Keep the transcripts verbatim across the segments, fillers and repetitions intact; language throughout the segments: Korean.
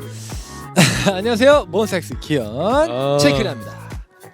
안녕하세요, 몬스타엑스 기현 아... 체크랍니다.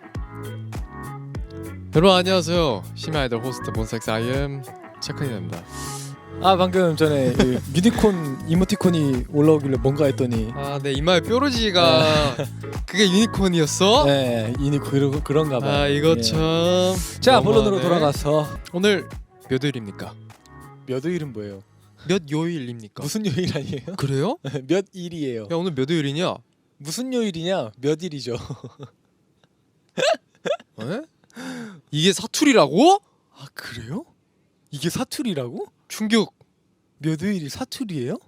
여러분 안녕하세요. 심야 아이돌 호스트 몬스타엑스 아이엠 체크인입니다. 아 방금 전에 그 유니콘 이모티콘이 올라오길래 뭔가 했더니 아, 내 이마에 뾰루지가 그게 유니콘이었어? 네, 유니콘 그러, 그런가 봐요. 아, 이거 예. 참. 자, 너무하네. 본론으로 돌아가서 오늘 몇 일입니까? 몇 요일은 뭐예요? 몇 요일입니까? 무슨 요일 아니에요? 그래요? 몇 일이에요? 야, 오늘 몇 요일이냐? 무슨 요일이냐? 몇 일이죠? 에? 이게 사투리라고? 아 그래요? 이게 사투리라고? 충격, 몇 요일이 사투리예요?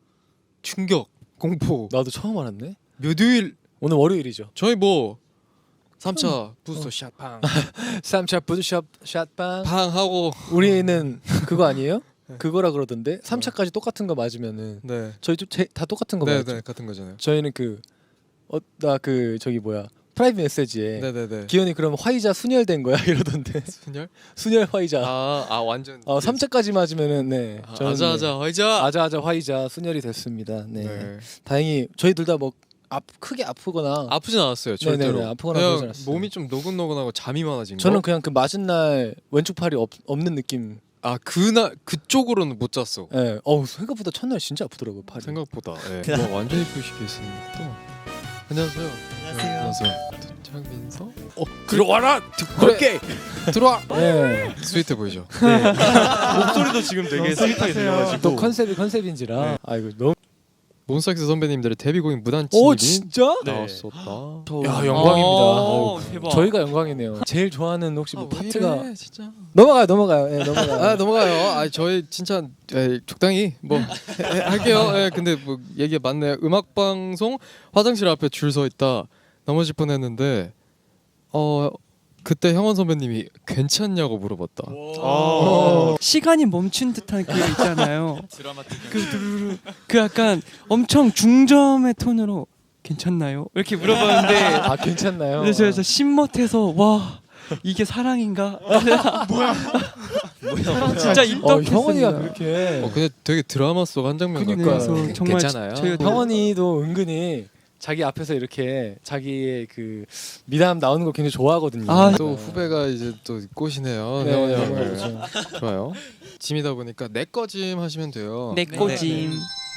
충격, 공포. 나도 처음 알았네. 몇 요일? 오늘 월요일이죠. 저희 뭐 삼 차 부스터 샷팡 삼 차 부드샵 샷방. 팡 하고. 우리는 그거 아니에요? 그거라 그러던데 삼 차까지 똑같은 거 맞으면은 네. 저희도 제, 다 똑같은 거 네, 맞죠? 네, 같은 거잖아요. 저희는 그 어 나 그 저기 뭐야 프라이빗 메시지에 네, 네, 네. 기현이 그럼 화이자 순혈된 거야 이러던데. 순열? 순혈 화이자. 아, 아 완전. 어 삼 차까지 맞으면은 네. 아, 저는 아자 아자 화이자. 아자 아자 화이자 순혈이 됐습니다. 네. 네. 다행히 저희 둘 다 뭐 아, 크게 아프거나 아프진 않았어요. 네네네, 절대로. 아프거나 그냥 그러진 않았어요. 몸이 좀 노곤노곤하고 잠이 많아진 거. 저는 그냥 그 맞은 날 왼쪽 팔이 없, 없는 느낌. 아 그날 그쪽으로는 못 잤어. 예. 네. 어우 생각보다 첫날 진짜 아프더라고요 팔이. 생각보다. 예. 뭐 완전히 표시게 있으니까 또. 안녕하세요. 안녕하세요. 안녕하세요. 창민서. 어 들어와라. 그래. 들어와. 네. 스윗해 보이죠. 목소리도 지금 되게 스윗하게 들려가지고 또 컨셉이 컨셉인지라. 네. 아이고 너무. 몬스타엑스 선배님들의 데뷔곡인 무단 오 침입이 진짜? 네. 나왔었다. 야 영광입니다. 오, 대박. 저희가 영광이네요. 제일 좋아하는 혹시 뭐 아, 왜 파트가 이래, 진짜. 넘어가요, 넘어가요, 예, 넘어가요. 아 넘어가요. 아 저희 진짜 에, 적당히 뭐 해, 할게요. 예, 근데 뭐 얘기 맞네요. 음악 방송 화장실 앞에 줄 서 있다 넘어질 뻔했는데 어 그때 형원 선배님이 괜찮냐고 물어봤다. 어. 시간이 멈춘 듯한 그 있잖아요. 그, 두루루, 그 약간 엄청 중점의 톤으로 괜찮나요? 이렇게 물어봤는데 아 괜찮나요? 그래서 그래서 신멋해서 와 이게 사랑인가? 뭐야? 뭐야? 진짜 어, 입덕했습니다. 형원이가 그렇게. 어 근데 되게 드라마 속 한 장면 같아. 그러니까요. 그래서 정말 괜찮아요. 저희가 형원이도 은근히 자기 앞에서 이렇게 자기의 그 미담 나오는 거 굉장히 좋아하거든요. 아, 또 후배가 이제 또 꽃이네요. 네, 형원이 정말 형. 그렇죠. 좋아요. 짐이다 보니까 내 거짐 하시면 돼요. 내 꼬짐.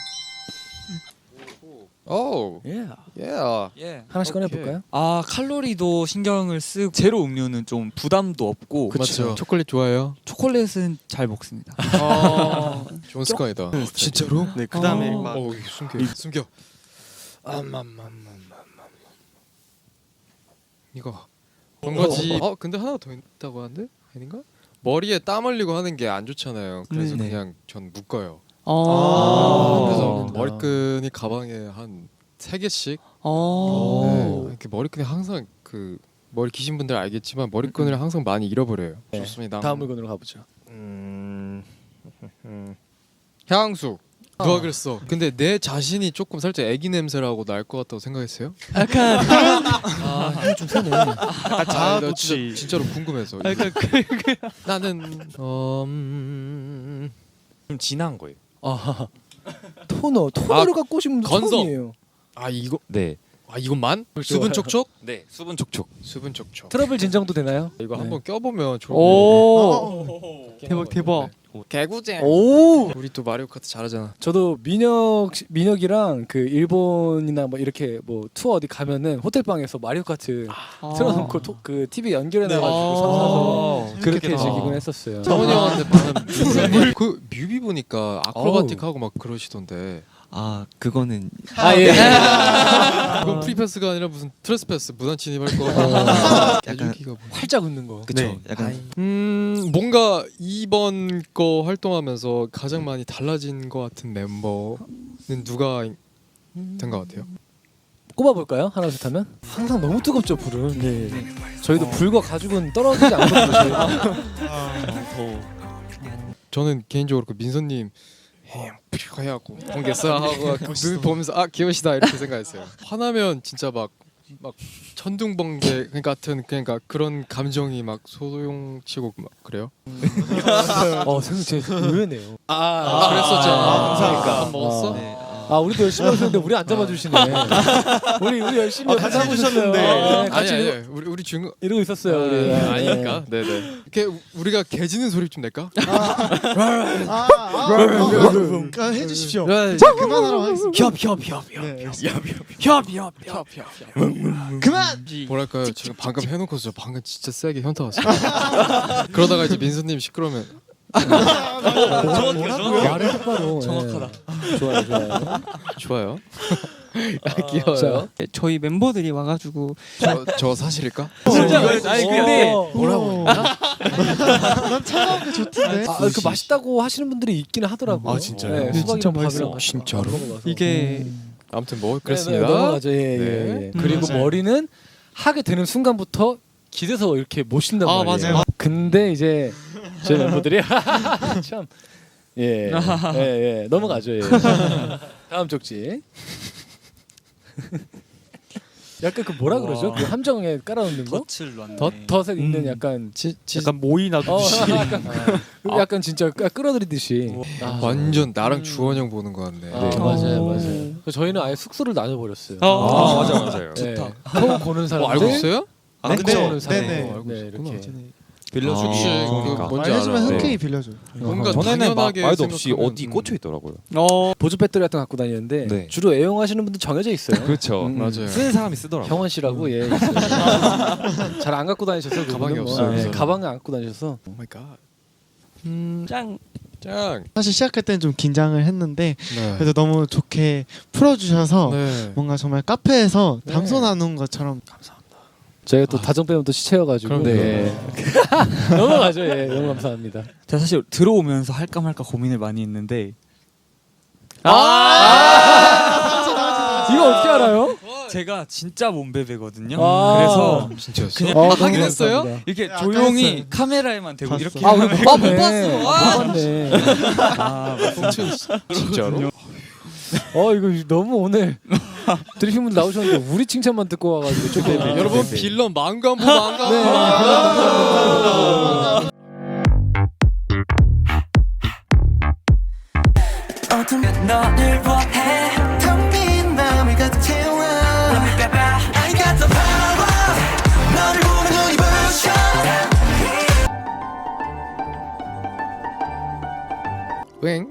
오, 예. 예. 예. 하나씩 오케이. 꺼내볼까요? 아 칼로리도 신경을 쓰고 제로 음료는 좀 부담도 없고 맞죠. 초콜릿 좋아해요? 초콜릿은 잘 먹습니다. 아, 좋은 습관이다. 진짜로? 네, 그다음에 어. 막 어, 숨겨. 숨겨. 암암암암암. 이거. 그런 거지. 어, 근데 하나 더 있다고 하는데? 아닌가? 머리에 땀 흘리고 하는 게 안 좋잖아요. 그래서 네. 그냥 전 묶어요. 아, 그래서 아. 머리끈이 가방에 한 세 개씩. 아. 네, 이렇게 머리끈이 항상 그 머리 기신 분들 알겠지만 머리끈을 항상 많이 잃어버려요. 네. 좋습니다. 다음 물건으로 가보죠. 음... 향수. 누가 그랬어? 근데 내 자신이 조금 살짝 애기 냄새라고 날 것 같다고 생각했어요? 약간 아, 힘이 좀 세네. 아, 아, 나 자아도취. 진짜, 진짜로 궁금해서. 약간 그 나는 어... 음... 좀 진한 거예요. 아, 토너, 토너를 아, 갖고 오신 분도 건성. 처음이에요. 아 이거 네. 아 이것만? 수분 촉촉? 네. 수분 촉촉. 수분 촉촉. 트러블 진정도 되나요? 이거 네. 한번 껴보면 좋을 오. 대박 대박. 개구쟁. 오, 우리 또 마리오 카트 잘하잖아. 저도 민혁 씨- 민혁이랑 그 일본이나 뭐 이렇게 뭐 투어 어디 가면은 호텔 방에서 마리오 카트 아. 틀어놓고 토, 그 티비 연결해놔가지고 네. 서서 아. 그렇게 재밌겠다. 즐기곤 했었어요. 정원이 형한테 반한 그 뮤비 보니까 아크로바틱하고 막 그러시던데. 아 그거는 아 예. 이건 프리패스가 아니라 무슨 트레스패스 무단 침입할 거. 약간 개줄기가 뭐. 활짝 웃는 거. 그쵸. 네. 약간 음 뭔가 이번 거 활동하면서 가장 많이 달라진 것 같은 멤버는 누가 된 것 같아요? 꼽아볼까요? 하나 둘 하면 항상 너무 뜨겁죠 불은. 네. 저희도 불과 가죽은 떨어지지 않거든요. 저희가. 저는 개인적으로 그 민서님 해하고 공개사 하고 눈 보면서 아 귀여우시다 이렇게 생각했어요. 화나면 진짜 막 막 천둥번개 같은 그러니까 그런 감정이 막 소용치고 막 그래요. 어 생각 제 의외네요. 아, 그랬었죠. 아, 감사합니다. 아, 밥 먹었어? 네. 아, 아 우리도 열심히 하고 있는데 우리 안 잡아주시네. 우리 우리 열심히 아, 같이 하고 해주셨는데. 있었어요. 네, 아니 같이 아니 이러고, 우리 우리 주인공 이러고 있었어요. 우리. 아, 아니니까. 네네. 이렇게 우- 우리가 개 짖는 소리 좀 낼까? 아, 아, 아, 해주십시오. 자 그만하라고 하겠습니다. 협협협협 네, 협협협협 그만. 뭐랄까요? 제가 방금 해놓고 저 방금 진짜 세게 현타 왔어요. 그러다가 이제 민수님 시끄러우면 말을 똑바로. 정확하다. 좋아요, 좋아요. 좋아요. 아, 귀여워요. 자, 저희 멤버들이 와가지고 저, 저 사실일까? 진짜 어, 아니 근데 뭐라고? 난 차가운 게 좋던데. 아, 그 맛있다고 하시는 분들이 있기는 하더라고요. 아, 진짜요? 네, 네, 수박이랑 진짜 밥이랑 맛있어. 같이 진짜로? 안 먹어봐서. 이게 아무튼 뭐 네, 그랬습니다. 네, 넘어가죠. 예, 예, 네. 예. 그리고 맞아요. 머리는 하게 되는 순간부터 기대서 이렇게 모신단 아, 말이에요. 맞아요. 근데 이제 저희 멤버들이 참 예, 예, 예, 넘어가죠. 예. 다음 쪽지. 약간 그 뭐라 그러죠? 그 함정에 깔아놓는 거? 덫을 놨네. 덧 덫에 있는 음. 약간 지, 지, 약간 모이 어, 놔두듯이. 약간, 약간 진짜 끌- 끌어들이듯이. 아, 완전 나랑 주원 형 보는 거 같네. 아, 네. 맞아요, 어. 맞아요. 저희는 아예 숙소를 나눠버렸어요. 어. 맞아 맞아요. 네. 처음 보는 사람 어, 알고 있어요? 아, 네, 근데 네, 오는 사람. 네, 네. 어, 네, 이렇게. 빌려주기 혹시 좋으니까. 그 뭔지 말해주면 알아요? 흔쾌히 네. 빌려줘. 뭔가 전에는 막 당연하게 말도 없이 생각하면, 어디 음. 꽂혀 있더라고요. 어 보조 배터리 같은 거 갖고 다니는데 네. 주로 애용하시는 분들 정해져 있어요. 그렇죠. 음, 맞아요. 쓰는 사람이 쓰더라고요. 형원 씨라고 예. 잘 안 갖고 다니셔서 그분은 가방이 뭐, 없어요. 네, 가방을 안 갖고 다니셔서. 오 마이 갓. 음, 짱 짱. 사실 시작할 때는 좀 긴장을 했는데 네. 그래도 너무 좋게 풀어주셔서 네. 뭔가 정말 카페에서 네. 담소 나눈 것처럼 저희가 또 다정 빼면 또 시체여가지고. 그럼요. 네. 넘어가죠. 예, 너무 감사합니다. 제가 사실 들어오면서 할까 말까 고민을 많이 했는데 아! 이거 어떻게 알아요? 제가 진짜 몸베베거든요. 아. 그래서 진짜였어? 그냥 어, 아, 너무 하긴 했어요? 감사합니다. 이렇게 네, 아까 조용히 했어요. 카메라에만 대고 봤어. 이렇게 아, 우리 못 봤네. 못 봤어. 아, 못 봤네. 아, 진짜로? 어, 이거 너무 오늘 드리핀 분들 나오셨는데 우리 칭찬만 듣고 와가지고 좀 네, 네. 여러분 빌런 망관부 망관부. 네. 어둠 너를 원해 텅 빈 맘을 가득 채워 I got the power 너를 보면 눈이 부셔 웽.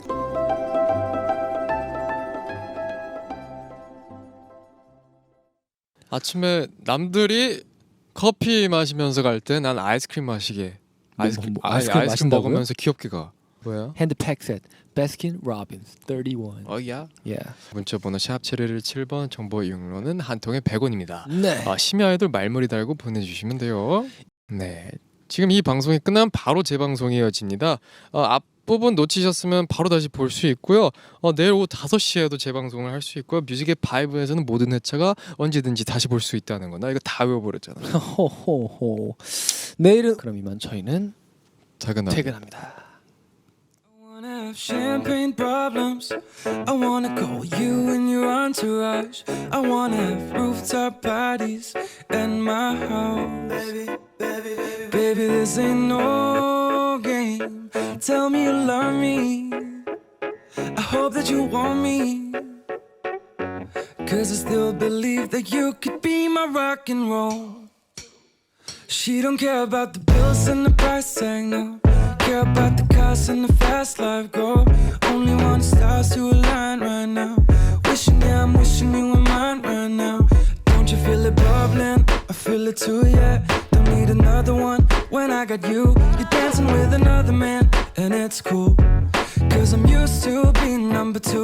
아침에 남들이 커피 마시면서 갈 때 난 아이스크림 마시게. 아이스크림, 뭐, 아니, 아이스크림 아이스크림 마신다고요? 먹으면서 귀엽게 가. 뭐야? 핸드팩셋 베스킨 로빈스 삼십일. 어야. 예. 문자번호 샵 칠일칠 번 정보 이용료는 한 통에 백 원입니다. 네. 아, 심야 아이돌 말머리 달고 보내주시면 돼요. 네, 지금 이 방송이 끝나면 바로 재방송이 이어집니다. 어, 앞부분 놓치셨으면 바로 다시 볼 수 있고요. 어, 내일 오후 다섯 시에도 재방송을 할 수 있고요. 뮤직의 바이브에서는 모든 회차가 언제든지 다시 볼 수 있다는 거. 나 이거 다 외워버렸잖아. 호호호. 내일은 그럼 이만 저희는 퇴근하. 퇴근합니다. I wanna have champagne problems. I wanna call you and your entourage. I wanna have rooftop parties at my house. Baby, baby, baby, baby, this ain't no game. Tell me you love me. I hope that you want me. Cause I still believe that you could be my rock and roll. She don't care about the bills and the price tag, no. Care about the cars and the fast life, go. Only want the stars to align right now. Wishing, yeah, I'm wishing you were mine right now. Don't you feel it bubbling? I feel it too, yeah. Don't need another one when I got you. You're dancing with another man, and it's cool. Cause I'm used to being number two.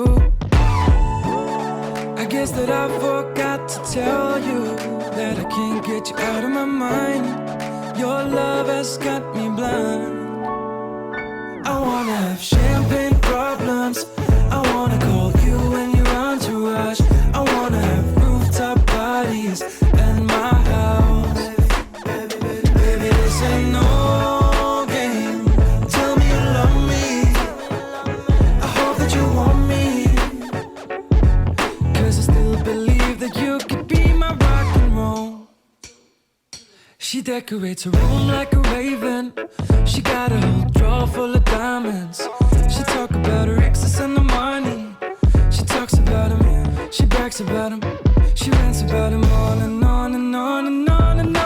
I guess that I forgot to tell you that I can't get you out of my mind. Your love has got me blind. I wanna have champagne problems. I wanna call you and your entourage. I wanna have rooftop parties at my house. Baby, this ain't no game. Tell me you love me. I hope that you want me. Cause I still believe that you could be my rock and roll. She decorates her room like a raven. She got a whole drawer full of diamonds. She talk about her exes and the money. She talk talks about him, she brags about him, she rants about him on and on and on and on and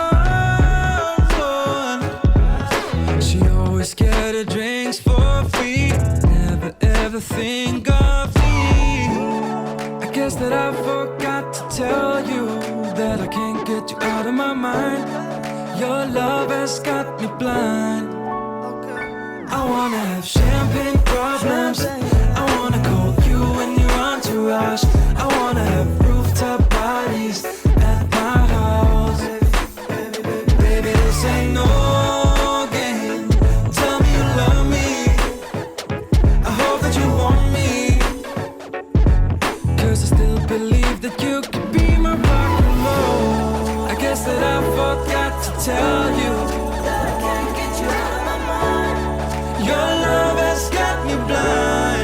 on. She always get her drinks for free, never ever think of me. I guess that I forgot to tell you that I can't get you out of my mind. Your love has got me blind. I wanna have champagne problems, I wanna call you in your entourage, I wanna have rooftop parties at my house. Baby, this ain't no game. Tell me you love me, I hope that you want me, 'cause I still believe that you could be my rock and roll. I guess that I forgot to tell you that I can't get you out of my mind. Your love has got me blind.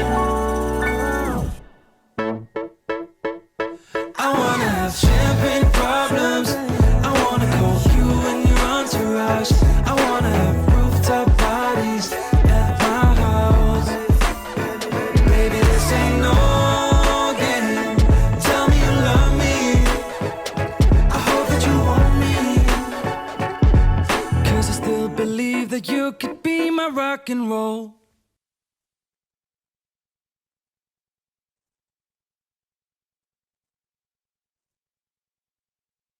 I wanna have champagne problems, I wanna call you in your entourage, I wanna have rooftop parties at my house. Baby, this ain't no game. Tell me you love me, I hope that you want me, 'cause I still believe that you could be my rock and roll.